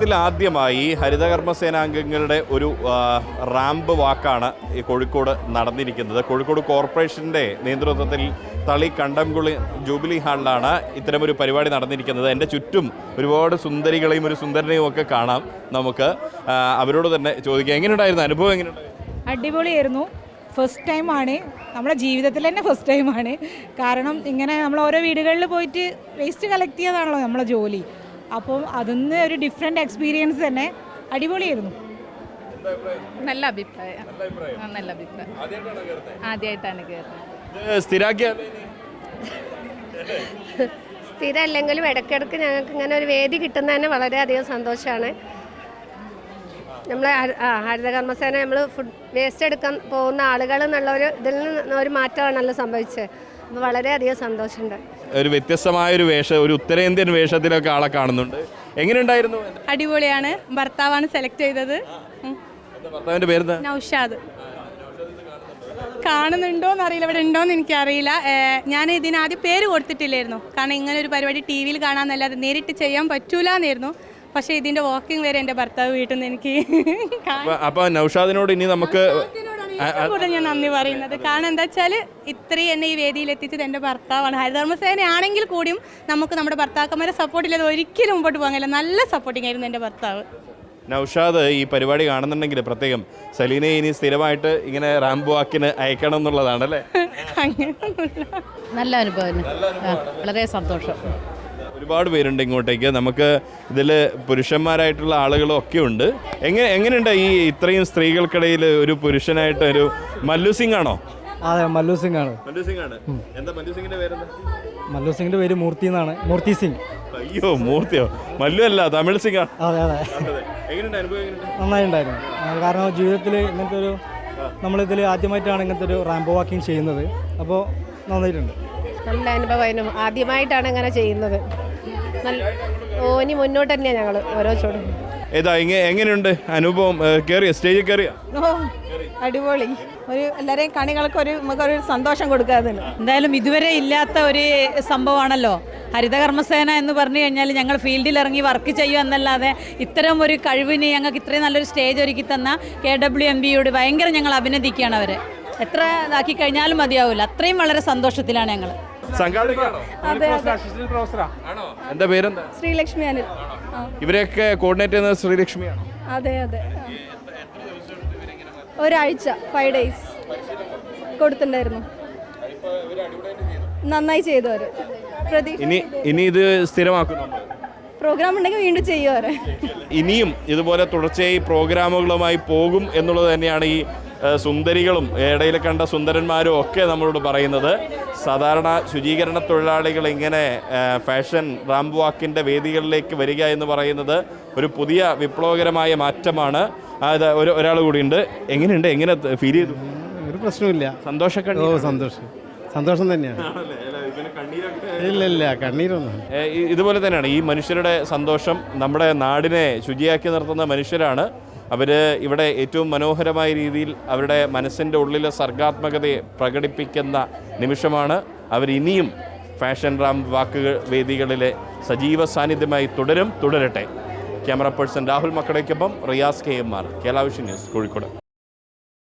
കേരളത്തിൽ ആദ്യമായി ഹരിതകർമ്മസേനാംഗങ്ങളുടെ ഒരു റാമ്പ് വാക്കാണ് ഈ കോഴിക്കോട് നടന്നിരിക്കുന്നത്. കോഴിക്കോട് കോർപ്പറേഷൻ്റെ നേതൃത്വത്തിൽ തളി കണ്ടംകുളി ജൂബിലി ഹാളിലാണ് ഇത്തരമൊരു പരിപാടി നടന്നിരിക്കുന്നത്. എൻ്റെ ചുറ്റും ഒരുപാട് സുന്ദരികളെയും ഒരു സുന്ദരനെയും ഒക്കെ കാണാം. നമുക്ക് അവരോട് തന്നെ ചോദിക്കാം, എങ്ങനെയുണ്ടായിരുന്നു അനുഭവം? എങ്ങനെയുണ്ടായിരുന്നു? അടിപൊളിയായിരുന്നു. ഫസ്റ്റ് ടൈമാണ്, നമ്മുടെ ജീവിതത്തിൽ തന്നെ ഫസ്റ്റ് ടൈമാണ്. കാരണം ഇങ്ങനെ നമ്മൾ ഓരോ വീടുകളിൽ പോയിട്ട് വേസ്റ്റ് കളക്ട് ചെയ്യാതാണല്ലോ നമ്മളെ ജോലി. അപ്പം അതിന്ന് ഒരു ഡിഫറെൻ്റ് എക്സ്പീരിയൻസ് തന്നെ. അടിപൊളിയായിരുന്നു. നല്ല അഭിപ്രായം. നല്ല അഭിപ്രായം. ആദ്യമായിട്ടാണ് കയറുന്നത്. സ്ഥിരമല്ലെങ്കിലും ഇടയ്ക്കിടയ്ക്ക് ഞങ്ങൾക്ക് ഇങ്ങനെ ഒരു വേദി കിട്ടുന്നതന്നെ വളരെയധികം സന്തോഷമാണ്. നമ്മൾ ഹരിതകർമ്മസേന നമ്മൾ ഫുഡ് വേസ്റ്റ് എടുക്കാൻ പോകുന്ന ആളുകൾ എന്നുള്ളൊരു ഇതിൽ നിന്ന് ഒരു മാറ്റമാണല്ലോ സംഭവിച്ചത്. അപ്പോൾ വളരെയധികം സന്തോഷമുണ്ട്. ഒരു വ്യത്യസ്തമായൊരു വേഷം, ഒരു ഉത്തരേന്ത്യൻ വേഷത്തിലൊക്കെ ആളെ കാണുന്നുണ്ട്. എങ്ങനെയുണ്ടായിരുന്നു? അടിപൊളിയാണ്. ഭർത്താവാണ് സെലക്ട് ചെയ്തത്. ഭർത്താവിൻ്റെ പേര് നൗഷാദ്. കാണുന്നുണ്ടോയെന്ന് അറിയില്ല, ഇവിടെ ഉണ്ടോയെന്ന് എനിക്കറിയില്ല. ഞാൻ ഇതിനാദ്യം പേര് കൊടുത്തിട്ടില്ലായിരുന്നു. കാരണം ഇങ്ങനെ ഒരു പരിപാടി ടി വിയിൽ കാണാമെന്നല്ലാതെ നേരിട്ട് ചെയ്യാൻ പറ്റൂല എന്നായിരുന്നു. പക്ഷേ ഇതിൻ്റെ വാക്കിംഗ് വരെ എൻ്റെ ഭർത്താവ് വീട്ടിൽ നിന്ന് എനിക്ക്. അപ്പോൾ നൗഷാദിനോട് ഇനി നമുക്ക് ഞാൻ നന്ദി പറയുന്നത്. കാരണം എന്താ വെച്ചാൽ ഇത്രയും എന്നെ ഈ വേദിയിൽ എത്തിച്ചത് എൻ്റെ ഭർത്താവാണ്. ഹരിതകർമ്മസേന ആണെങ്കിൽ കൂടിയും നമുക്ക് നമ്മുടെ ഭർത്താക്കന്മാരെ സപ്പോർട്ട് ഇല്ലാതെ ഒരിക്കലും മുമ്പോട്ട് പോകാൻ കഴിയില്ല. നല്ല സപ്പോർട്ടിംഗ് ആയിരുന്നു എൻ്റെ ഭർത്താവ്. നൗഷാദ് ഈ പരിപാടി കാണുന്നുണ്ടെങ്കിൽ പ്രത്യേകം സലീനെ ഇനി സ്ഥിരമായിട്ട് ഇങ്ങനെ റാമ്പ് വാക്കിന് അയക്കണം എന്നുള്ളതാണ് അല്ലേ? നല്ല അനുഭവം, വളരെ സന്തോഷം. ഒരുപാട് പേരുണ്ട് ഇങ്ങോട്ടേക്ക്. നമുക്ക് ഇതിൽ പുരുഷന്മാരായിട്ടുള്ള ആളുകളും ഒക്കെ ഉണ്ട്. എങ്ങനെയുണ്ട് ഈ ഇത്രയും സ്ത്രീകൾക്കിടയിൽ ഒരു പുരുഷനായിട്ട് ഒരു മല്ലു സിംഗ് ആണോ? അതെ, മല്ലു സിംഗ് ആണ്. എന്താ മല്ലു സിംഗിന്റെ പേരെന്താ? മല്ലു സിംഗിന്റെ പേര് മൂർത്തി എന്നാണ്. മൂർത്തി സിംഗ്. അയ്യോ, മൂർത്തിയോ? മല്ലു അല്ല, തമിഴ് സിംഗ് ആണ്. അതെ അതെ. എങ്ങനെയുണ്ട് അനുഭവം? നന്നായിട്ടുണ്ടായിരുന്നു. കാരണം ജീവിതത്തിൽ ഇങ്ങനത്തെ ഒരു നമ്മളിതിൽ ആദ്യമായിട്ടാണ് ഇങ്ങനത്തെ ഒരു റാമ്പ് വാക്കിംഗ് ചെയ്യുന്നത്. അപ്പോൾ നന്നായിട്ടുണ്ട്. നല്ല അനുഭവമായിരുന്നു. ആദ്യമായിട്ടാണ് ഇങ്ങനെ ചെയ്യുന്നത്. ഇനി മുന്നോട്ട് തന്നെയാണ് ഞങ്ങൾ ഓരോ ചോടും. ഏതാ എങ്ങനെയുണ്ട് അനുഭവം? കയറിയ സ്റ്റേജിൽ കയറിയ? അടിപൊളി. ഒരു എല്ലാവരെയും കണികൾക്ക് നമുക്കൊരു സന്തോഷം കൊടുക്കാതെ. എന്തായാലും ഇതുവരെ ഇല്ലാത്ത ഒരു സംഭവമാണല്ലോ ഹരിതകർമ്മസേന എന്ന് പറഞ്ഞു കഴിഞ്ഞാൽ. ഞങ്ങൾ ഫീൽഡിൽ ഇറങ്ങി വർക്ക് ചെയ്യുക എന്നല്ലാതെ ഇത്തരം ഒരു കഴിവിന് ഞങ്ങൾക്ക് ഇത്രയും നല്ലൊരു സ്റ്റേജ് ഒരുക്കി തന്ന KWMBയോട് ഭയങ്കര ഞങ്ങൾ അഭിനന്ദിക്കുകയാണ്. അവരെ എത്ര ഇതാക്കി കഴിഞ്ഞാലും മതിയാവില്ല. അത്രയും വളരെ സന്തോഷത്തിലാണ് ഞങ്ങൾ. എന്താ പേരെന്താ? ശ്രീലക്ഷ്മി അനിൽ. ഇവരെയൊക്കെ കോർഡിനേറ്റ് ചെയ്യുന്നത് ശ്രീലക്ഷ്മിയാണ്. അതെ അതെ. ഒരാഴ്ച 5 days കൊടുത്തിട്ടുണ്ടായിരുന്നു. നന്നായി ചെയ്തു അവർ. ഇനി ഇത് സ്ഥിരമാക്കുന്നു. പ്രോഗ്രാം ഉണ്ടെങ്കിൽ വീണ്ടും ചെയ്യും അവർ. ഇനിയും ഇതുപോലെ തുടർച്ചയായി പ്രോഗ്രാമുകളുമായി പോകും എന്നുള്ളത് തന്നെയാണ് ഈ സുന്ദരികളും ഇടയിൽ കണ്ട സുന്ദരന്മാരും ഒക്കെ നമ്മളോട് പറയുന്നത്. സാധാരണ ശുചീകരണ തൊഴിലാളികൾ ഇങ്ങനെ ഫാഷൻ റാമ്പ് വാക്കിൻ്റെ വേദികളിലേക്ക് വരിക എന്ന് പറയുന്നത് ഒരു പുതിയ വിപ്ലവകരമായ മാറ്റമാണ്. അത് ഒരാൾ കൂടിയുണ്ട്. എങ്ങനെയുണ്ട്? എങ്ങനെ ഫീൽ ചെയ്തു? ഒരു പ്രശ്നമില്ല. സന്തോഷം തന്നെയാണ്. ഇല്ല കണ്ണീരൊന്നും. ഇതുപോലെ തന്നെയാണ് ഈ മനുഷ്യരുടെ സന്തോഷം. നമ്മുടെ നാടിനെ ശുചിയാക്കി നിർത്തുന്ന മനുഷ്യരാണ് അവർ. ഇവിടെ ഏറ്റവും മനോഹരമായ രീതിയിൽ അവരുടെ മനസ്സിൻ്റെ ഉള്ളിലെ സർഗാത്മകതയെ പ്രകടിപ്പിക്കുന്ന നിമിഷമാണ്. അവരിനിയും ഫാഷൻ റാമ്പ് വാക്കുകൾ വേദികളിലെ സജീവ സാന്നിധ്യമായി തുടരട്ടെ. ക്യാമറ പേഴ്സൺ രാഹുൽ മക്കടയ്ക്കൊപ്പം Riyas KMR, Kerala vision news, Kozhikode.